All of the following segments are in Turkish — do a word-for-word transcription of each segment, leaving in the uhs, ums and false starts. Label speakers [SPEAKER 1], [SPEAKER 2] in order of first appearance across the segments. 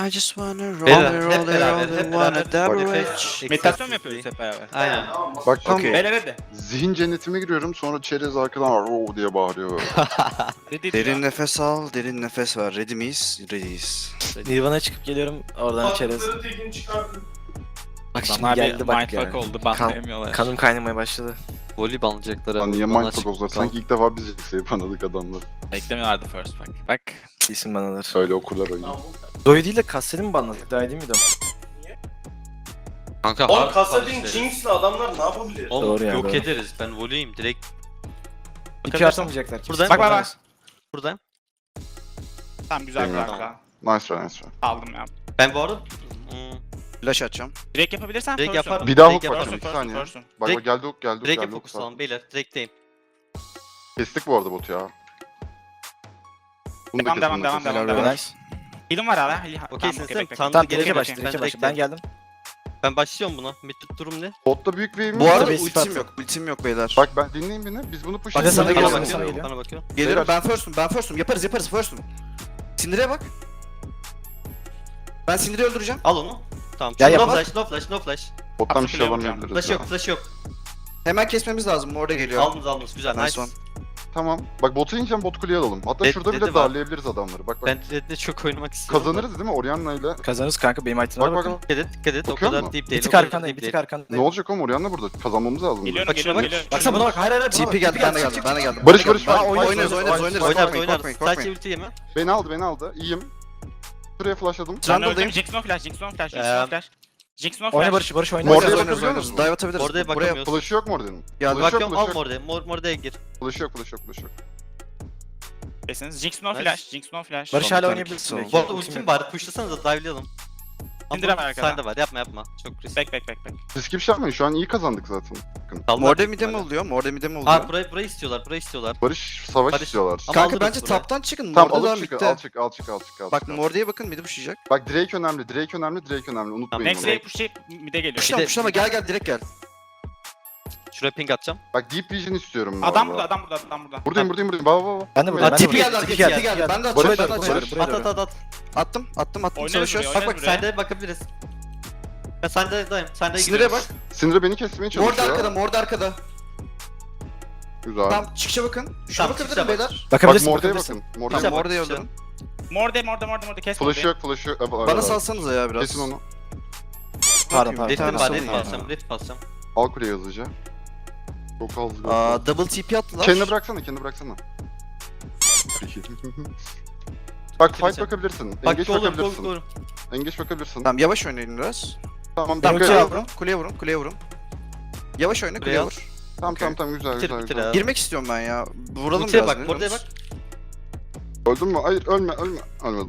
[SPEAKER 1] I just wanna roll
[SPEAKER 2] Beyler,
[SPEAKER 1] it,
[SPEAKER 2] hep
[SPEAKER 1] roll it,
[SPEAKER 2] beraber,
[SPEAKER 1] roll
[SPEAKER 2] hep
[SPEAKER 1] it, wanna
[SPEAKER 2] beraber.
[SPEAKER 1] double
[SPEAKER 2] Nefes-
[SPEAKER 1] it.
[SPEAKER 3] Meditasyon mu yapıyoruz hep beraber?
[SPEAKER 2] Aynen.
[SPEAKER 4] Bak tam
[SPEAKER 1] Okey.
[SPEAKER 3] Beyler hadi.
[SPEAKER 4] zihin cennetime giriyorum, sonra çerez arkadan "Roo" diye bağırıyor böyle.
[SPEAKER 3] Dedi
[SPEAKER 1] Derin nefes al, derin nefes ver. Ready miyiz? Ready'yiz.
[SPEAKER 5] Nirvana'ya çıkıp geliyorum oradan çerez. Bak şimdi geldi bak
[SPEAKER 3] mindfuck
[SPEAKER 5] ya.
[SPEAKER 3] oldu,
[SPEAKER 5] Kan-
[SPEAKER 3] banlayamıyorlar.
[SPEAKER 5] Kanım kaynamaya başladı.
[SPEAKER 2] Voley banlayacaklar
[SPEAKER 4] Lan
[SPEAKER 2] abi.
[SPEAKER 4] niye
[SPEAKER 2] Bana
[SPEAKER 4] mindfuck
[SPEAKER 2] çık-
[SPEAKER 4] oldular? Sanki ilk defa biz yükseği anladık adamlar.
[SPEAKER 3] Beklemiyorlardı first bak. Bak.
[SPEAKER 5] İsim banadır.
[SPEAKER 4] Öyle okurlar oyunu.
[SPEAKER 5] Zoe değil de Kassel'i mi banladık? Daha iyi değil miydi o?
[SPEAKER 2] Kanka
[SPEAKER 6] Oğlum
[SPEAKER 2] hard
[SPEAKER 6] Kasadin
[SPEAKER 2] punch deriz.
[SPEAKER 6] Jinx'le adamlar ne yapabilir?
[SPEAKER 2] Oğlum
[SPEAKER 5] Doğru ya,
[SPEAKER 2] yok
[SPEAKER 5] doğru.
[SPEAKER 2] ederiz. Ben voleyim direkt
[SPEAKER 5] İpi atamayacaklar. kimse.
[SPEAKER 2] Buradan-
[SPEAKER 3] Bak bak bak.
[SPEAKER 2] buradayım.
[SPEAKER 3] Tamam güzel
[SPEAKER 4] Bilmiyorum.
[SPEAKER 3] kanka.
[SPEAKER 4] Nice try, nice try.
[SPEAKER 3] Aldım ya.
[SPEAKER 2] Ben bu arada hmm,
[SPEAKER 1] Flash atacağım.
[SPEAKER 3] Direkt yapabilirsen
[SPEAKER 2] Direkt
[SPEAKER 3] first
[SPEAKER 2] yaparım.
[SPEAKER 4] Bir daha
[SPEAKER 2] Direkt
[SPEAKER 4] hook
[SPEAKER 2] yaparım.
[SPEAKER 4] bakın,
[SPEAKER 3] Person,
[SPEAKER 4] iki
[SPEAKER 3] person,
[SPEAKER 4] saniye.
[SPEAKER 3] person.
[SPEAKER 4] Bak
[SPEAKER 2] Direkt-
[SPEAKER 4] bak geldi hook, geldi hook,
[SPEAKER 2] direkt
[SPEAKER 4] geldi hook.
[SPEAKER 2] fokusalım beyler. Direkteyim.
[SPEAKER 4] Kestik bu arada botu ya. Bunu da
[SPEAKER 3] Devam, devam,
[SPEAKER 4] kesin,
[SPEAKER 3] devam,
[SPEAKER 4] kesin.
[SPEAKER 3] devam,
[SPEAKER 5] Helal
[SPEAKER 3] devam.
[SPEAKER 5] be.
[SPEAKER 3] Heal'im var hala. Heal-
[SPEAKER 2] Okeysiniz
[SPEAKER 3] okey,
[SPEAKER 2] değil mi?
[SPEAKER 3] bekle.
[SPEAKER 2] Tanrı
[SPEAKER 5] Tamam
[SPEAKER 2] gerek
[SPEAKER 5] direkt
[SPEAKER 2] yok.
[SPEAKER 5] başla,
[SPEAKER 2] Ben
[SPEAKER 5] direkt
[SPEAKER 2] direkt
[SPEAKER 5] başla. Ben geldim.
[SPEAKER 2] Ben başlıyorum buna. Mid durum ne?
[SPEAKER 4] Botta büyük wave'imiz
[SPEAKER 1] Bu
[SPEAKER 4] var.
[SPEAKER 1] arada
[SPEAKER 5] base
[SPEAKER 1] ultim
[SPEAKER 5] attı.
[SPEAKER 1] yok, ultim yok beyler.
[SPEAKER 4] Bak ben dinleyin beni, biz bunu push
[SPEAKER 5] Bak, sana
[SPEAKER 4] edelim.
[SPEAKER 5] geliyor,
[SPEAKER 2] Bana
[SPEAKER 5] bana sana
[SPEAKER 2] bakıyor.
[SPEAKER 5] geliyor.
[SPEAKER 2] Bana bakıyor.
[SPEAKER 1] Geliyorum,
[SPEAKER 4] Beyler.
[SPEAKER 1] ben first'um, ben first'um. Yaparız, yaparız, first'um. Sindir'e bak. Ben Sindir'i öldüreceğim.
[SPEAKER 2] Al onu. Tamam.
[SPEAKER 5] Ya
[SPEAKER 2] no
[SPEAKER 5] yapma.
[SPEAKER 2] flash, no flash, no flash.
[SPEAKER 4] Bottan bir şey
[SPEAKER 3] Atlayacağım.
[SPEAKER 4] alamayabiliriz
[SPEAKER 2] Flash
[SPEAKER 4] ya.
[SPEAKER 2] yok, flash yok.
[SPEAKER 1] Hemen kesmemiz lazım, orada geliyor.
[SPEAKER 2] Aldınız aldınız. Güzel,
[SPEAKER 1] Nice
[SPEAKER 2] nice.
[SPEAKER 1] one.
[SPEAKER 4] Tamam. Bak botu ineceğim, bot kuleye alalım. Hatta
[SPEAKER 2] Red-
[SPEAKER 4] şurada
[SPEAKER 2] Red'i
[SPEAKER 4] bile
[SPEAKER 2] var.
[SPEAKER 4] darlayabiliriz adamları. Bak bak.
[SPEAKER 2] Ben Red'de çok oynamak istiyorum.
[SPEAKER 4] Kazanırız değil mi Orianna ile?
[SPEAKER 5] Kazanırız kanka benim item'e
[SPEAKER 4] Bak bak
[SPEAKER 5] bakın.
[SPEAKER 4] bak.
[SPEAKER 2] Dikkat et, dikkat et. O
[SPEAKER 4] Bakıyor
[SPEAKER 2] kadar
[SPEAKER 4] musun?
[SPEAKER 2] deep
[SPEAKER 5] Bir
[SPEAKER 2] değil.
[SPEAKER 5] tık
[SPEAKER 2] o kadar
[SPEAKER 5] arkandayım,
[SPEAKER 2] deep
[SPEAKER 5] bir tık
[SPEAKER 2] değil.
[SPEAKER 4] Ne
[SPEAKER 5] arkandayım.
[SPEAKER 4] olacak oğlum Orianna burada? Kazanmamız lazım.
[SPEAKER 3] Geliyorum,
[SPEAKER 2] Bak
[SPEAKER 3] geliyorum,
[SPEAKER 2] şuna bak.
[SPEAKER 3] geliyorum.
[SPEAKER 5] Baksana buna bak, hayır hayır. hayır.
[SPEAKER 1] T P geldi, ben de geldim, ben de geldim.
[SPEAKER 4] Barış,
[SPEAKER 1] Ben de
[SPEAKER 4] Barış,
[SPEAKER 1] geldim.
[SPEAKER 4] Barış.
[SPEAKER 1] Oynarız,
[SPEAKER 4] Oynarız,
[SPEAKER 1] oynarız, oynarız.
[SPEAKER 2] Oynarız,
[SPEAKER 1] Korkmayın,
[SPEAKER 2] oynarız.
[SPEAKER 1] korkmayın,
[SPEAKER 2] Sadece
[SPEAKER 1] korkmayın.
[SPEAKER 2] ulti yeme.
[SPEAKER 4] Beni aldı, beni aldı. İyiyim. Şuraya flashladım.
[SPEAKER 3] Ben
[SPEAKER 1] Trundle'dayım.
[SPEAKER 3] öldüm. Jinx no flash, Jinx no flash, Jinx
[SPEAKER 2] Ee,
[SPEAKER 3] no flash. Jinx no
[SPEAKER 5] Oyna
[SPEAKER 3] flash.
[SPEAKER 5] Barış, Barış oyna.
[SPEAKER 4] Mordaya
[SPEAKER 1] Oynarız,
[SPEAKER 4] bakabiliyor
[SPEAKER 1] oynarız.
[SPEAKER 4] musun?
[SPEAKER 1] Dive atabiliriz.
[SPEAKER 2] Oraya
[SPEAKER 1] Buraya
[SPEAKER 2] bakamıyoruz.
[SPEAKER 4] Flash'ı yok mu Orion'un?
[SPEAKER 1] Geldi.
[SPEAKER 4] Flash yok,
[SPEAKER 2] Bakıyorum al
[SPEAKER 4] flash yok.
[SPEAKER 2] Morda'ya. Mor Morda'ya gir.
[SPEAKER 4] Flash yok, flash yok, flash yok.
[SPEAKER 3] Desiniz. Jinx no
[SPEAKER 2] Nice.
[SPEAKER 3] flash, Jinx no flash.
[SPEAKER 5] Barış
[SPEAKER 1] Tamam,
[SPEAKER 5] hala
[SPEAKER 1] tamam,
[SPEAKER 5] oynayabilirsin
[SPEAKER 1] tamam.
[SPEAKER 5] belki.
[SPEAKER 2] Bu arada
[SPEAKER 5] Ultim
[SPEAKER 2] ultim
[SPEAKER 5] yok.
[SPEAKER 2] bari pushlasanıza dive'layalım.
[SPEAKER 3] İndirem arkada.
[SPEAKER 2] Sende var yapma yapma. Çok risk.
[SPEAKER 3] Bek bek bek bek.
[SPEAKER 4] Siz kim şey yapmayın, şu an iyi kazandık zaten. Bakın.
[SPEAKER 1] Morde mide mi oluyor? Morde mide mi oluyor?
[SPEAKER 2] Aa burayı, burayı istiyorlar, burayı istiyorlar.
[SPEAKER 4] Barış savaş
[SPEAKER 2] Barış-
[SPEAKER 4] istiyorlar.
[SPEAKER 2] Ama
[SPEAKER 1] Kanka
[SPEAKER 2] alırız
[SPEAKER 1] bence
[SPEAKER 2] burayı.
[SPEAKER 1] taptan çıkın.
[SPEAKER 4] Tamam
[SPEAKER 1] Morde'dan
[SPEAKER 4] alıp çık,
[SPEAKER 1] bitti.
[SPEAKER 4] al çık, al çık, al çık, al
[SPEAKER 1] Bak
[SPEAKER 4] çık.
[SPEAKER 1] Morde'ye bakın, midi pushlayacak.
[SPEAKER 4] Bak Drake önemli, Drake önemli, Drake önemli. Unutmayın
[SPEAKER 3] Next
[SPEAKER 4] onu.
[SPEAKER 3] wave pushlayıp mid'e geliyor.
[SPEAKER 1] Puşlama,
[SPEAKER 2] de-
[SPEAKER 1] puşlama, gel gel, direkt gel.
[SPEAKER 2] Şuraya ping atacağım.
[SPEAKER 4] Bak Deep Vision istiyorum bu
[SPEAKER 3] Adam
[SPEAKER 4] arada.
[SPEAKER 3] burada, adam burada, adam burada.
[SPEAKER 4] Buradayım, buradayım, buradayım. Baba baba.
[SPEAKER 5] Ben de buradayım, ben de
[SPEAKER 1] Tipi
[SPEAKER 5] buradayım.
[SPEAKER 1] geldi,
[SPEAKER 5] Tipi
[SPEAKER 1] arkaya,
[SPEAKER 5] geldi.
[SPEAKER 1] tipi geldi. Ben de
[SPEAKER 4] Barış,
[SPEAKER 1] açıyorum, ben de
[SPEAKER 4] Barış,
[SPEAKER 1] açıyorum.
[SPEAKER 4] Barış.
[SPEAKER 2] At at at at.
[SPEAKER 1] Attım, attım, attım,
[SPEAKER 3] Oynarız
[SPEAKER 1] çalışıyoruz.
[SPEAKER 3] buraya,
[SPEAKER 2] Bak
[SPEAKER 3] oynarız
[SPEAKER 2] bak
[SPEAKER 3] buraya.
[SPEAKER 2] sende bakabiliriz. Ben sende dayım. Sende
[SPEAKER 1] Sinir'e bak.
[SPEAKER 4] Syndra beni kesmeye
[SPEAKER 1] Morde
[SPEAKER 4] çalışıyor.
[SPEAKER 1] arkada, Morde arkada.
[SPEAKER 4] Güzel.
[SPEAKER 1] Tamam, çıkışa bakın. Şuna
[SPEAKER 2] Tamam,
[SPEAKER 1] bakabilirim
[SPEAKER 2] çıkışa bak.
[SPEAKER 1] beyler.
[SPEAKER 4] Bak
[SPEAKER 5] Bakabilirsin,
[SPEAKER 4] Morde'ye
[SPEAKER 5] bakabilirsin.
[SPEAKER 4] bakın. Morde'ye
[SPEAKER 1] Tamam,
[SPEAKER 2] bak,
[SPEAKER 4] bakın.
[SPEAKER 1] Morde'yi
[SPEAKER 2] işte.
[SPEAKER 1] öldürün.
[SPEAKER 3] Morde, morde, morde, morde. Kes
[SPEAKER 4] Flash'ı
[SPEAKER 3] mordeyi.
[SPEAKER 4] yok, flash'ı yok.
[SPEAKER 1] Bana salsanıza ya biraz.
[SPEAKER 4] Kesin onu.
[SPEAKER 5] Pardon pardon.
[SPEAKER 1] Bir
[SPEAKER 2] Rift'im
[SPEAKER 1] tane
[SPEAKER 2] var,
[SPEAKER 1] sorun
[SPEAKER 2] rift
[SPEAKER 1] ya.
[SPEAKER 2] basacağım, rift basacağım.
[SPEAKER 4] Al kuleye hızlıca. Çok az.
[SPEAKER 1] Aa, double T P attılar.
[SPEAKER 4] Kendini bıraksana, kendini bıraksana. Bak fight
[SPEAKER 2] Bitireceğim.
[SPEAKER 4] bakabilirsin.
[SPEAKER 2] Bak
[SPEAKER 4] Engage
[SPEAKER 2] golüm, golüm,
[SPEAKER 4] bakabilirsin.
[SPEAKER 2] golüm.
[SPEAKER 4] Engage bakabilirsin.
[SPEAKER 1] Tamam, yavaş oynayın biraz.
[SPEAKER 4] Tamam,
[SPEAKER 1] Tamam,
[SPEAKER 4] dikkat
[SPEAKER 1] kuleye
[SPEAKER 4] et.
[SPEAKER 1] vurun, kuleye vurun, kuleye vurun. Yavaş oyna,
[SPEAKER 2] Kuleye
[SPEAKER 1] kuleye
[SPEAKER 2] al.
[SPEAKER 1] vur.
[SPEAKER 4] Tamam,
[SPEAKER 1] Okey.
[SPEAKER 4] tamam, tamam, güzel,
[SPEAKER 2] Bitir,
[SPEAKER 4] güzel,
[SPEAKER 2] bitir
[SPEAKER 4] güzel.
[SPEAKER 2] abi.
[SPEAKER 1] Girmek istiyorum ben ya. Vuralım
[SPEAKER 2] Ultiye
[SPEAKER 1] biraz.
[SPEAKER 2] bak,
[SPEAKER 1] ne
[SPEAKER 2] Morda'ya bak.
[SPEAKER 1] diyorsunuz?
[SPEAKER 4] Öldün mü? Hayır, ölme, ölme. Ölmedim.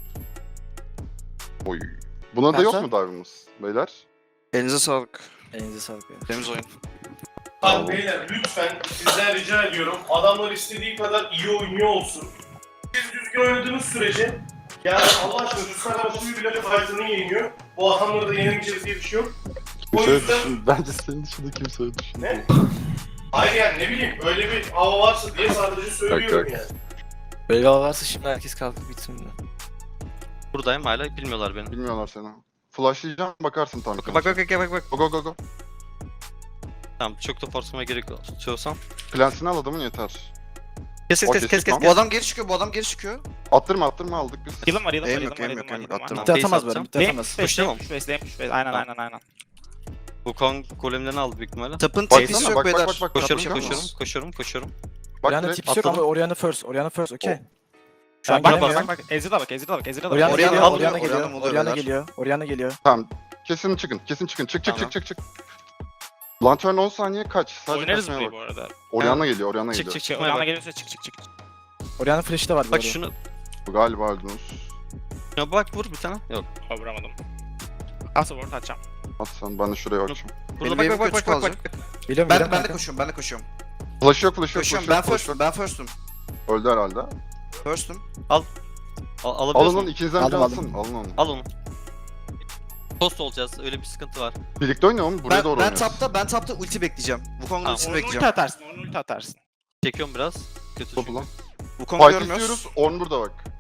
[SPEAKER 4] Oy. Buna da
[SPEAKER 1] Ben
[SPEAKER 4] yok
[SPEAKER 1] sen-
[SPEAKER 4] mu dive'ımız beyler?
[SPEAKER 1] Elinize sağlık.
[SPEAKER 5] Elinize sağlık ya.
[SPEAKER 1] Temiz oyun.
[SPEAKER 6] Abi beyler lütfen sizden rica ediyorum. Adamlar istediği kadar iyi oynuyor olsun. Siz düzgün oynadığınız sürece yani Allah aşkına şu Sarabosu'yu bile fight'ını yeniyor. Bu adamları da yenemeyeceğiz diye bir şey yok. O yüzden
[SPEAKER 4] Bence senin dışında kimse öyle düşünmüyor.
[SPEAKER 6] ne? Hayır yani ne bileyim öyle bir hava varsa diye sadece söylüyorum yani.
[SPEAKER 5] Böyle varsa şimdi herkes kalkıp bitsin.
[SPEAKER 2] Buradayım hala bilmiyorlar beni.
[SPEAKER 4] Bilmiyorlar seni. Flashlayacağım, bakarsın tam.
[SPEAKER 2] Bak bak bak bak bak.
[SPEAKER 4] Go go go go.
[SPEAKER 2] Tamam çok da force'uma gerek yok. Çoğusam.
[SPEAKER 4] Plansini al adamın yeter.
[SPEAKER 2] Kes kes
[SPEAKER 4] O
[SPEAKER 2] kes kes
[SPEAKER 4] kesik
[SPEAKER 2] kes.
[SPEAKER 4] lan.
[SPEAKER 1] Bu adam geri çıkıyor, bu adam geri çıkıyor.
[SPEAKER 4] Attırma, attırma aldık biz.
[SPEAKER 3] Heal'ım var, heal'ım var,
[SPEAKER 1] Eğim
[SPEAKER 3] heal'ım
[SPEAKER 1] yok,
[SPEAKER 3] var,
[SPEAKER 1] eğim
[SPEAKER 3] heal'ım
[SPEAKER 1] yok,
[SPEAKER 3] var,
[SPEAKER 1] eğim yok.
[SPEAKER 3] heal'ım var.
[SPEAKER 1] Attırma.
[SPEAKER 5] Bitti
[SPEAKER 2] Base
[SPEAKER 5] atamaz böyle,
[SPEAKER 2] atacağım.
[SPEAKER 5] bitti
[SPEAKER 3] Lane
[SPEAKER 5] atamaz.
[SPEAKER 3] push, lane
[SPEAKER 2] Pushlayamam.
[SPEAKER 3] push, base, lane push, base. Aynen,
[SPEAKER 2] Tamam.
[SPEAKER 3] aynen, aynen.
[SPEAKER 2] Bu Kong golemlerini aldı büyük ihtimalle.
[SPEAKER 1] Tapın
[SPEAKER 4] Baksana,
[SPEAKER 1] tipisi
[SPEAKER 4] bak,
[SPEAKER 1] yok
[SPEAKER 4] bak,
[SPEAKER 1] beyler.
[SPEAKER 4] bak, bak.
[SPEAKER 2] Koşuyorum
[SPEAKER 4] Yapıyor
[SPEAKER 2] koşuyorum
[SPEAKER 4] musun?
[SPEAKER 2] koşuyorum koşuyorum.
[SPEAKER 4] Bak
[SPEAKER 5] Orianna
[SPEAKER 4] direkt
[SPEAKER 5] tipsi yok ama
[SPEAKER 2] atladım.
[SPEAKER 5] Orianna first. Orianna first, okey. Şu
[SPEAKER 3] Bak
[SPEAKER 5] an
[SPEAKER 3] bak
[SPEAKER 5] gelemiyor.
[SPEAKER 3] bak bak. Ezreal'a bak, Ezreal'a bak, Ezreal'a bak.
[SPEAKER 5] Orianna
[SPEAKER 1] Orianna
[SPEAKER 5] geliyor,
[SPEAKER 1] alıyor,
[SPEAKER 5] Orianna
[SPEAKER 1] Orianna
[SPEAKER 5] geliyor.
[SPEAKER 1] oluyor
[SPEAKER 5] Orianna
[SPEAKER 1] beyler.
[SPEAKER 5] geliyor, Orianna geliyor.
[SPEAKER 4] Tamam. Kesin çıkın, kesin çıkın. Çık çık
[SPEAKER 1] Tamam.
[SPEAKER 4] çık çık çık. Lantern on saniye kaç? Sadece
[SPEAKER 3] Oynarız
[SPEAKER 4] kaçmaya
[SPEAKER 3] burayı
[SPEAKER 4] bak.
[SPEAKER 3] bu arada.
[SPEAKER 4] Orianna geliyor, Orianna
[SPEAKER 2] Çık
[SPEAKER 4] geliyor.
[SPEAKER 2] çık çık.
[SPEAKER 3] Şey, Orianna geliyorsa çık çık çık.
[SPEAKER 5] Orianna flash'ı da var bu
[SPEAKER 2] Bak
[SPEAKER 5] arada.
[SPEAKER 2] şunu.
[SPEAKER 4] Bu galiba öldünüz.
[SPEAKER 2] Ya bak vur bir tane. Yok.
[SPEAKER 3] Ha, vuramadım. Asıl ward atacağım.
[SPEAKER 4] At sen, ben de şuraya açayım.
[SPEAKER 2] Burada
[SPEAKER 1] Benim
[SPEAKER 2] bak bak
[SPEAKER 1] wave'im
[SPEAKER 2] bak
[SPEAKER 1] kötü
[SPEAKER 2] bak bak.
[SPEAKER 1] kalacak.
[SPEAKER 2] bak.
[SPEAKER 5] Biliyorum,
[SPEAKER 1] Ben,
[SPEAKER 5] biliyorum
[SPEAKER 1] ben de
[SPEAKER 5] kanka.
[SPEAKER 1] koşuyorum, ben de koşuyorum.
[SPEAKER 4] Flash yok, flash yok,
[SPEAKER 1] Koşuyorum,
[SPEAKER 4] flash
[SPEAKER 1] ben
[SPEAKER 4] yok, flash
[SPEAKER 1] first'um,
[SPEAKER 4] yok.
[SPEAKER 1] ben first'um.
[SPEAKER 4] Öldü herhalde.
[SPEAKER 1] First'um.
[SPEAKER 2] Al,
[SPEAKER 4] Alın
[SPEAKER 2] alabiliyorsun.
[SPEAKER 4] onu, ikinizden
[SPEAKER 5] Aldım,
[SPEAKER 4] biri
[SPEAKER 5] aldım.
[SPEAKER 4] alsın. Alın onu.
[SPEAKER 2] Al onu. Tost olacağız. Öyle bir sıkıntı var.
[SPEAKER 4] Birlikte oynayalım, buraya
[SPEAKER 1] Ben,
[SPEAKER 4] doğru
[SPEAKER 1] ben
[SPEAKER 4] oynuyoruz.
[SPEAKER 1] tapta, ben tapta ulti bekleyeceğim. Wukong'un
[SPEAKER 2] Tamam,
[SPEAKER 1] ultisini
[SPEAKER 3] Onu ulti
[SPEAKER 1] bekleyeceğim.
[SPEAKER 3] atarsın, onu ulti atarsın.
[SPEAKER 2] Çekiyorum biraz. Kötü
[SPEAKER 4] Topu
[SPEAKER 2] çünkü.
[SPEAKER 4] lan.
[SPEAKER 1] Wukong'u
[SPEAKER 4] Fight
[SPEAKER 1] görmüyoruz.
[SPEAKER 4] istiyoruz, Ornn burada bak.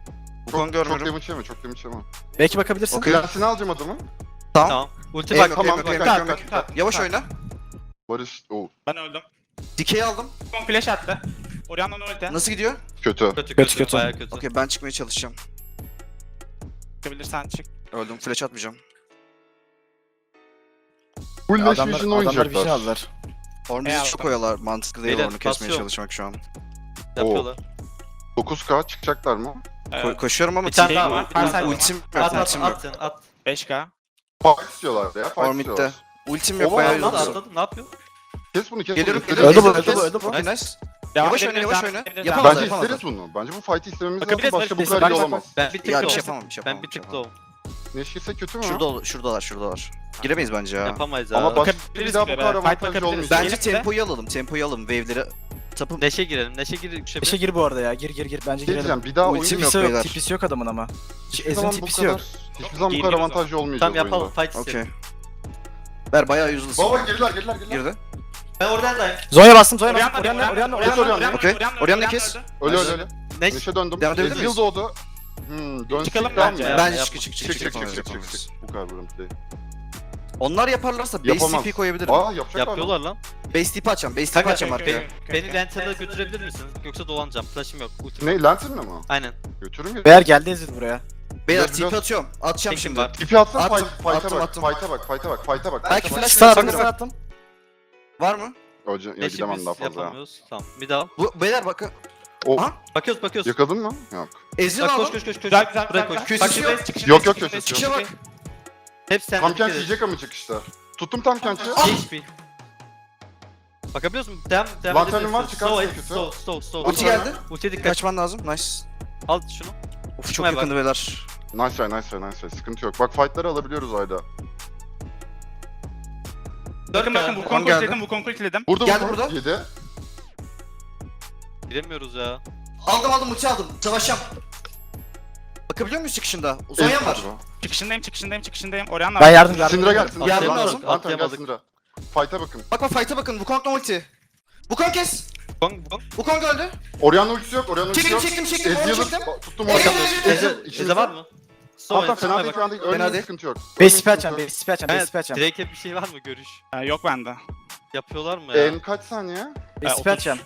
[SPEAKER 1] Wukong
[SPEAKER 4] Çok
[SPEAKER 1] görmüyorum.
[SPEAKER 4] damage yeme, çok damage yeme.
[SPEAKER 5] Belki bakabilirsin.
[SPEAKER 1] Okey.
[SPEAKER 4] Lensini alacağım adamın.
[SPEAKER 1] Tamam.
[SPEAKER 2] Tamam. Ulti
[SPEAKER 1] Em
[SPEAKER 2] bak.
[SPEAKER 1] yok,
[SPEAKER 4] tamam,
[SPEAKER 1] em yok, em
[SPEAKER 4] tamam,
[SPEAKER 1] yok, em yok.
[SPEAKER 3] tamam.
[SPEAKER 1] Yavaş oyna.
[SPEAKER 4] Barış, o
[SPEAKER 3] Ben öldüm.
[SPEAKER 1] Dikeyi aldım.
[SPEAKER 3] Wukong flash attı. Orianna'nın ulti.
[SPEAKER 1] Nasıl gidiyor?
[SPEAKER 4] kötü.
[SPEAKER 2] Kötü
[SPEAKER 5] Kötü,
[SPEAKER 2] kötü.
[SPEAKER 5] kötü.
[SPEAKER 2] Bayağı kötü.
[SPEAKER 1] Okey ben çıkmaya çalışacağım.
[SPEAKER 3] Çıkabilirsen çık.
[SPEAKER 1] Öldüm. Flash atmayacağım.
[SPEAKER 4] Full Lash
[SPEAKER 5] Adamlar,
[SPEAKER 4] Vision'la
[SPEAKER 5] adamlar vision
[SPEAKER 4] oynayacaklar.
[SPEAKER 5] aldılar.
[SPEAKER 1] Ormuz'u
[SPEAKER 3] Eyvallah.
[SPEAKER 1] çok koyuyorlar. Mantıklı değil
[SPEAKER 2] Beyler,
[SPEAKER 1] onu kesmeye
[SPEAKER 2] basıyorum.
[SPEAKER 1] çalışmak şu an.
[SPEAKER 2] Yapıyorlar.
[SPEAKER 4] dokuz K çıkacaklar mı?
[SPEAKER 1] Ko-
[SPEAKER 3] Ee,
[SPEAKER 1] koşuyorum ama
[SPEAKER 2] Bir tane
[SPEAKER 1] team-
[SPEAKER 2] daha var. Bir tane daha var.
[SPEAKER 1] Ultim yok.
[SPEAKER 2] At at
[SPEAKER 1] Ultim yok.
[SPEAKER 2] at sen at.
[SPEAKER 3] beş K.
[SPEAKER 4] Fight istiyorlar ya, fight
[SPEAKER 1] Ormid'de.
[SPEAKER 4] istiyorlar.
[SPEAKER 1] Ultim yok
[SPEAKER 4] Oha,
[SPEAKER 1] bayağı
[SPEAKER 2] Atladı
[SPEAKER 1] yıldızım.
[SPEAKER 2] atladı. Ne yapıyor?
[SPEAKER 4] Kes bunu, kes
[SPEAKER 1] Geliyorum
[SPEAKER 4] bunu.
[SPEAKER 1] geliyorum.
[SPEAKER 5] Öldü bu,
[SPEAKER 1] Kes,
[SPEAKER 5] öldü bu,
[SPEAKER 1] kes.
[SPEAKER 5] öldü bu.
[SPEAKER 1] Okey nice.
[SPEAKER 3] Devam
[SPEAKER 1] Yavaş
[SPEAKER 3] edebiliriz,
[SPEAKER 1] oyna, yavaş
[SPEAKER 3] devam
[SPEAKER 1] oyna.
[SPEAKER 3] edebiliriz,
[SPEAKER 1] Yapamaz.
[SPEAKER 3] devam
[SPEAKER 4] Bence
[SPEAKER 1] Yapamazlar.
[SPEAKER 4] isteriz bunu. Bence bu fight'i istememiz lazım.
[SPEAKER 3] Bakabiliriz,
[SPEAKER 4] Başka bu
[SPEAKER 3] bakabiliriz.
[SPEAKER 4] kadar
[SPEAKER 3] Bak,
[SPEAKER 4] iyi
[SPEAKER 3] bak,
[SPEAKER 4] olamaz.
[SPEAKER 2] Ben bir tık
[SPEAKER 1] Ya bir
[SPEAKER 2] low.
[SPEAKER 1] şey yapamam bir şey
[SPEAKER 2] Ben
[SPEAKER 1] yapamam.
[SPEAKER 2] bir
[SPEAKER 1] bir şey
[SPEAKER 2] tık
[SPEAKER 1] yapamam.
[SPEAKER 2] low.
[SPEAKER 4] Neşirse kötü mü?
[SPEAKER 1] Şurada, ol- şuradalar şuradalar. Giremeyiz bence ya.
[SPEAKER 2] Yapamayız ya.
[SPEAKER 4] Ama baş, bir
[SPEAKER 3] Bakabiliriz
[SPEAKER 4] daha bu
[SPEAKER 3] gibi,
[SPEAKER 4] kadar
[SPEAKER 3] evet. Fight
[SPEAKER 4] avantajlı
[SPEAKER 3] bakabiliriz.
[SPEAKER 4] olmayacak.
[SPEAKER 1] Bence
[SPEAKER 3] Diyelim de-
[SPEAKER 1] tempoyu alalım. Tempoyu alalım. Wave'leri tapın.
[SPEAKER 2] Neşe girelim. Neşe gir. Neşe
[SPEAKER 5] İşe gir bu arada ya. Gir gir gir. Bence
[SPEAKER 4] Şey
[SPEAKER 5] girelim.
[SPEAKER 4] diyeceğim, bir daha oyun
[SPEAKER 1] Ultim
[SPEAKER 4] yok.
[SPEAKER 1] yok
[SPEAKER 5] Tipisi yok,
[SPEAKER 1] beyler.
[SPEAKER 5] tipisi yok adamın ama.
[SPEAKER 4] Hiçbir
[SPEAKER 5] Ezreal'in
[SPEAKER 4] zaman bu
[SPEAKER 5] tipisi
[SPEAKER 4] kadar,
[SPEAKER 5] yok.
[SPEAKER 4] hiçbir zaman bu kadar
[SPEAKER 3] Geliyoruz
[SPEAKER 4] avantajlı olmayacak
[SPEAKER 2] Tamam
[SPEAKER 4] oyunda.
[SPEAKER 2] yapalım. Fight
[SPEAKER 1] Okey.
[SPEAKER 2] istedim.
[SPEAKER 1] Ver bayağı useless.
[SPEAKER 4] Baba geriler geriler geriler.
[SPEAKER 1] Girdi.
[SPEAKER 2] Ben oradan
[SPEAKER 5] Zonya bastım, Zonya bastım.
[SPEAKER 3] Orianna,
[SPEAKER 5] Orianna, Orianna,
[SPEAKER 3] Orianna,
[SPEAKER 5] Orianna.
[SPEAKER 3] Orianna,
[SPEAKER 1] Okey.
[SPEAKER 3] Orianna,
[SPEAKER 1] Orianna
[SPEAKER 3] Orianna
[SPEAKER 1] kes.
[SPEAKER 3] öldü.
[SPEAKER 4] Öyle
[SPEAKER 1] Nice.
[SPEAKER 4] öyle öyle.
[SPEAKER 2] Neş.
[SPEAKER 4] Neşe döndüm.
[SPEAKER 1] Devam edebilir
[SPEAKER 4] Ezreal
[SPEAKER 1] miyiz?
[SPEAKER 4] doğdu. Hmm, dönsün.
[SPEAKER 3] Çıkalım
[SPEAKER 4] devam
[SPEAKER 3] bence
[SPEAKER 4] mı?
[SPEAKER 3] ya.
[SPEAKER 1] Bence
[SPEAKER 2] yap-
[SPEAKER 1] çık çık çık
[SPEAKER 4] Çık
[SPEAKER 1] çık
[SPEAKER 4] çık çık
[SPEAKER 1] yapamayız,
[SPEAKER 4] çık çık
[SPEAKER 1] yapamayız.
[SPEAKER 4] çık. Bu kadar bölüm değil.
[SPEAKER 1] Onlar yaparlarsa base
[SPEAKER 4] Yapamaz.
[SPEAKER 1] T P koyabilirim.
[SPEAKER 4] Aa yapacaklar.
[SPEAKER 2] Yapıyorlar lan.
[SPEAKER 1] Base T P açacağım. Base T P
[SPEAKER 2] Kanka,
[SPEAKER 1] açacağım
[SPEAKER 3] Okey,
[SPEAKER 1] arkaya.
[SPEAKER 3] okey, okey,
[SPEAKER 2] Beni
[SPEAKER 3] okey.
[SPEAKER 2] Lantern'a götürebilir misiniz? Yoksa dolanacağım. Flash'ım yok. Ultim.
[SPEAKER 4] Ne Lantern'la mı?
[SPEAKER 2] Aynen.
[SPEAKER 4] Götürüm ya.
[SPEAKER 5] Beyler geldi Ezreal buraya.
[SPEAKER 1] Beyler
[SPEAKER 4] Biraz-
[SPEAKER 1] T P
[SPEAKER 4] biraz-
[SPEAKER 1] atıyorum. Atacağım
[SPEAKER 2] Tekim
[SPEAKER 1] şimdi.
[SPEAKER 2] var.
[SPEAKER 4] İpi atsana
[SPEAKER 1] Attım,
[SPEAKER 4] fight, fight'a
[SPEAKER 1] attım,
[SPEAKER 4] bak,
[SPEAKER 1] attım.
[SPEAKER 4] fight'a bak, fight'a bak, fight'a bak,
[SPEAKER 1] Belki
[SPEAKER 4] fight'a bak.
[SPEAKER 1] flash
[SPEAKER 5] Stun attım,
[SPEAKER 1] atabilirim.
[SPEAKER 5] stun attım.
[SPEAKER 1] Var mı?
[SPEAKER 4] Hoca, ya
[SPEAKER 2] Neşe
[SPEAKER 4] gidemem
[SPEAKER 2] biz
[SPEAKER 4] daha fazla ya.
[SPEAKER 2] yapamıyoruz. Tamam. Bir daha.
[SPEAKER 1] Bu beyler bakın.
[SPEAKER 4] O,
[SPEAKER 1] Aha.
[SPEAKER 2] Bakıyoruz bakıyoruz.
[SPEAKER 4] yakaladın mı? Yok.
[SPEAKER 1] Ezreal
[SPEAKER 2] Bak koş
[SPEAKER 1] aldım.
[SPEAKER 2] koş koş koş.
[SPEAKER 3] Güzel güzel
[SPEAKER 2] Buraya
[SPEAKER 3] güzel.
[SPEAKER 2] koş.
[SPEAKER 3] güzel.
[SPEAKER 1] Köşesi
[SPEAKER 3] Çıkışındayız,
[SPEAKER 1] yok.
[SPEAKER 3] çıkışındayız,
[SPEAKER 4] Yok, yok,
[SPEAKER 3] çıkışındayız,
[SPEAKER 4] köşesi
[SPEAKER 1] yok.
[SPEAKER 3] çıkışındayız.
[SPEAKER 2] Hep sen
[SPEAKER 4] Tam kent yiyecek ama çıkışta. Tuttum tam kenti.
[SPEAKER 2] H P. Bakabiliyor musun? Devam devam
[SPEAKER 4] Lantern'ın
[SPEAKER 2] edebilirsin.
[SPEAKER 4] var, çıkarsın
[SPEAKER 2] Slow,
[SPEAKER 4] kötü.
[SPEAKER 2] slow, slow, slow.
[SPEAKER 1] Ulti geldi.
[SPEAKER 2] Ultiye dikkat.
[SPEAKER 1] Kaçman lazım. Nice.
[SPEAKER 2] Al şunu.
[SPEAKER 1] Of çok
[SPEAKER 2] Çıkmaya bak.
[SPEAKER 1] yakındı beyler.
[SPEAKER 4] Nice try, nice try, nice try. Sıkıntı yok. Bak fight'ları alabiliyoruz ayda.
[SPEAKER 3] Bakın bakın
[SPEAKER 2] K.
[SPEAKER 3] Wukong
[SPEAKER 1] geldi.
[SPEAKER 3] ultiledim, Wukong ultiledim.
[SPEAKER 4] Burada
[SPEAKER 1] Geldi
[SPEAKER 4] burada.
[SPEAKER 1] burada.
[SPEAKER 4] Yedi.
[SPEAKER 2] Giremiyoruz ya.
[SPEAKER 1] Aldım aldım ulti aldım. Savaşacağım. Bakabiliyor muyuz çıkışında? Uzayam var.
[SPEAKER 3] Çıkışındayım, çıkışındayım, çıkışındayım. Orianna
[SPEAKER 5] Ben
[SPEAKER 3] var.
[SPEAKER 5] yardım yardım.
[SPEAKER 4] Syndra gel,
[SPEAKER 5] ederim.
[SPEAKER 4] Syndra.
[SPEAKER 1] Yardım
[SPEAKER 4] Syndra.
[SPEAKER 1] lazım.
[SPEAKER 4] Lantern gel
[SPEAKER 2] Atlayamadık.
[SPEAKER 4] Syndra. Fight'a bakın.
[SPEAKER 1] Bak bak fight'a bakın. Wukong'la ulti. Wukong kes.
[SPEAKER 2] Bong bong.
[SPEAKER 1] Wukong öldü.
[SPEAKER 4] Orianna ultisi yok, Orianna ultisi
[SPEAKER 1] Çektim
[SPEAKER 4] yok.
[SPEAKER 1] çektim çektim. Onu
[SPEAKER 4] Ezreal'ı
[SPEAKER 1] çektim.
[SPEAKER 4] ba- tuttum
[SPEAKER 1] Eze,
[SPEAKER 4] Orianna'yı.
[SPEAKER 1] Eze,
[SPEAKER 2] Eze,
[SPEAKER 4] İçinizde-
[SPEAKER 2] Eze var mı?
[SPEAKER 4] Tamam
[SPEAKER 2] Slow,
[SPEAKER 4] tamam fena
[SPEAKER 2] slow'a
[SPEAKER 4] değil
[SPEAKER 2] bak.
[SPEAKER 4] fena değil.
[SPEAKER 1] Fena
[SPEAKER 4] Ölmeyin
[SPEAKER 1] değil.
[SPEAKER 4] sıkıntı yok.
[SPEAKER 5] Base tipi açacağım, base tipi açacağım, base
[SPEAKER 2] Evet,
[SPEAKER 5] tipi açacağım.
[SPEAKER 2] Drake'e bir şey var mı görüş?
[SPEAKER 3] Ha, yok bende.
[SPEAKER 2] Yapıyorlar mı ya?
[SPEAKER 4] En kaç saniye?
[SPEAKER 5] Base tipi
[SPEAKER 3] otuz.
[SPEAKER 5] açacağım.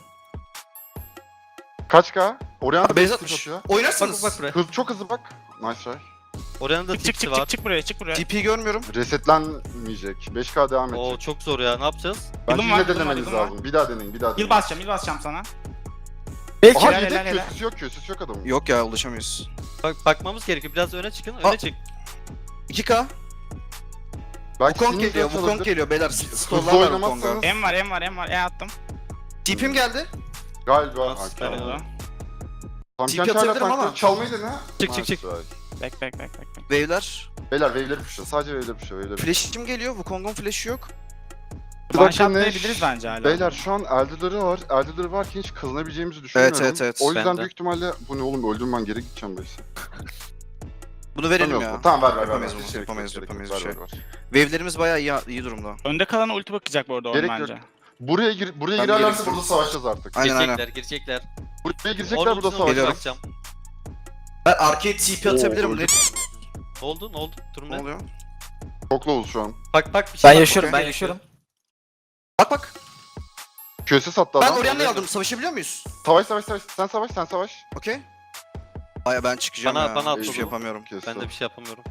[SPEAKER 4] Kaç K? Orianna
[SPEAKER 1] Base
[SPEAKER 4] base
[SPEAKER 1] atmış.
[SPEAKER 4] atıyor.
[SPEAKER 2] Bak
[SPEAKER 1] Oynarsınız.
[SPEAKER 2] bak buraya.
[SPEAKER 4] Hız, çok hızlı bak. Nice try.
[SPEAKER 2] Oranın da
[SPEAKER 3] Çık çık
[SPEAKER 2] tipsi
[SPEAKER 3] çık
[SPEAKER 2] var.
[SPEAKER 3] çık çık buraya, çık buraya.
[SPEAKER 1] T P görmüyorum.
[SPEAKER 4] Resetlenmeyecek. beş K devam
[SPEAKER 2] Oo
[SPEAKER 4] edecek.
[SPEAKER 2] çok zor ya. Ne yapacağız?
[SPEAKER 4] Bence
[SPEAKER 3] Yılım var,
[SPEAKER 4] yine
[SPEAKER 3] yılım var,
[SPEAKER 4] denemeniz
[SPEAKER 3] yılım var.
[SPEAKER 4] lazım. Bir daha deneyin, bir daha deneyin.
[SPEAKER 3] Yıl basacağım, yıl basacağım sana.
[SPEAKER 5] Belki.
[SPEAKER 4] Aha
[SPEAKER 3] Helal,
[SPEAKER 4] yedek
[SPEAKER 3] helal, helal.
[SPEAKER 4] köşesi yok, köşesi yok adamın.
[SPEAKER 1] Yok ya ulaşamıyoruz.
[SPEAKER 2] Bak bakmamız gerekiyor. Biraz öne çıkın. Öne
[SPEAKER 1] Aa.
[SPEAKER 2] çık.
[SPEAKER 1] iki K.
[SPEAKER 4] Belki
[SPEAKER 1] Wukong
[SPEAKER 4] sinir
[SPEAKER 1] geliyor.
[SPEAKER 4] çalabilir.
[SPEAKER 1] Wukong geliyor beyler.
[SPEAKER 4] Hızlı
[SPEAKER 1] Stollar var
[SPEAKER 4] oynamazsanız
[SPEAKER 1] Wukong'a.
[SPEAKER 3] M var, M var, M var. E attım.
[SPEAKER 1] T P'm geldi.
[SPEAKER 4] galiba.
[SPEAKER 2] Nasıl
[SPEAKER 4] Hakan.
[SPEAKER 2] yani?
[SPEAKER 3] Oldu.
[SPEAKER 4] Tam
[SPEAKER 1] Tip
[SPEAKER 4] kent hala
[SPEAKER 1] atabilirim ama.
[SPEAKER 4] tankları çalmayı dene.
[SPEAKER 2] Çık, çık, çık.
[SPEAKER 4] Nice.
[SPEAKER 3] Bek bek bek bek. bek.
[SPEAKER 1] Wave'ler.
[SPEAKER 4] Beyler wave'leri puşla. Sadece wave'leri puşla. Wave'leri puşla.
[SPEAKER 1] Flash'im geliyor. Wukong'un flash'ı yok.
[SPEAKER 4] Bir
[SPEAKER 3] One
[SPEAKER 4] dakika,
[SPEAKER 3] shot
[SPEAKER 4] ne?
[SPEAKER 3] diyebiliriz bence hala.
[SPEAKER 4] Beyler şu an Elder'ları var. Elder'ları varken hiç kazanabileceğimizi düşünmüyorum.
[SPEAKER 1] evet, evet.
[SPEAKER 4] O yüzden
[SPEAKER 2] Ben de.
[SPEAKER 4] büyük ihtimalle bu ne oğlum öldüm ben geri gideceğim belki.
[SPEAKER 1] Bunu verelim
[SPEAKER 4] Tamam,
[SPEAKER 1] ya.
[SPEAKER 4] Tamam ver ver ver.
[SPEAKER 1] Yapamayız
[SPEAKER 4] ver.
[SPEAKER 1] bunu,
[SPEAKER 4] Hiç gerek
[SPEAKER 1] yapamayız,
[SPEAKER 4] yok, gerek
[SPEAKER 1] yapamayız
[SPEAKER 4] yok.
[SPEAKER 1] bir
[SPEAKER 4] Ver,
[SPEAKER 1] şey.
[SPEAKER 4] ver, ver.
[SPEAKER 1] Wave'lerimiz bayağı iyi, iyi durumda.
[SPEAKER 3] Önde kalan ulti bakacak bu arada
[SPEAKER 4] Gerek
[SPEAKER 3] oyun
[SPEAKER 4] yok.
[SPEAKER 3] bence.
[SPEAKER 4] Buraya gir buraya
[SPEAKER 1] Ben
[SPEAKER 4] girerlerse
[SPEAKER 1] gelirsin.
[SPEAKER 4] burada savaşacağız artık.
[SPEAKER 1] Aynen aynen.
[SPEAKER 2] Girecekler, girecekler.
[SPEAKER 4] Buraya girecekler
[SPEAKER 2] Orada
[SPEAKER 4] burada
[SPEAKER 2] ultisini
[SPEAKER 4] savaşacağız.
[SPEAKER 2] bakacağım.
[SPEAKER 1] Ben arcade T P
[SPEAKER 4] Oo,
[SPEAKER 1] atabilirim.
[SPEAKER 4] öldü.
[SPEAKER 1] Ne,
[SPEAKER 2] Ne oldu? Ne oldu? Durum
[SPEAKER 1] ne
[SPEAKER 2] ne?
[SPEAKER 1] oluyor?
[SPEAKER 4] Çok low'uz şu an.
[SPEAKER 2] Bak bak bir şey
[SPEAKER 5] Ben
[SPEAKER 2] var.
[SPEAKER 5] yaşıyorum, ben
[SPEAKER 2] Okey.
[SPEAKER 5] yaşıyorum.
[SPEAKER 1] Bak bak.
[SPEAKER 4] Köse sattı
[SPEAKER 1] Ben
[SPEAKER 4] adam.
[SPEAKER 1] Orianna'yı aldım. Savaşabiliyor muyuz?
[SPEAKER 4] Savaş savaş savaş. Sen savaş sen savaş.
[SPEAKER 1] Okey. Aya ben çıkacağım
[SPEAKER 2] Bana-
[SPEAKER 1] ya.
[SPEAKER 2] bana
[SPEAKER 1] Hiçbir
[SPEAKER 2] atladı.
[SPEAKER 1] şey yapamıyorum.
[SPEAKER 4] Kesti.
[SPEAKER 2] Ben de bir şey yapamıyorum.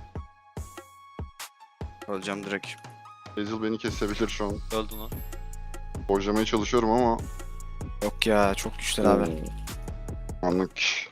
[SPEAKER 1] Öleceğim direkt.
[SPEAKER 4] Ezil beni kesebilir şu an.
[SPEAKER 2] Öldün o.
[SPEAKER 4] Borcamaya çalışıyorum ama.
[SPEAKER 5] Yok ya, çok güçler abi.
[SPEAKER 4] Anlık.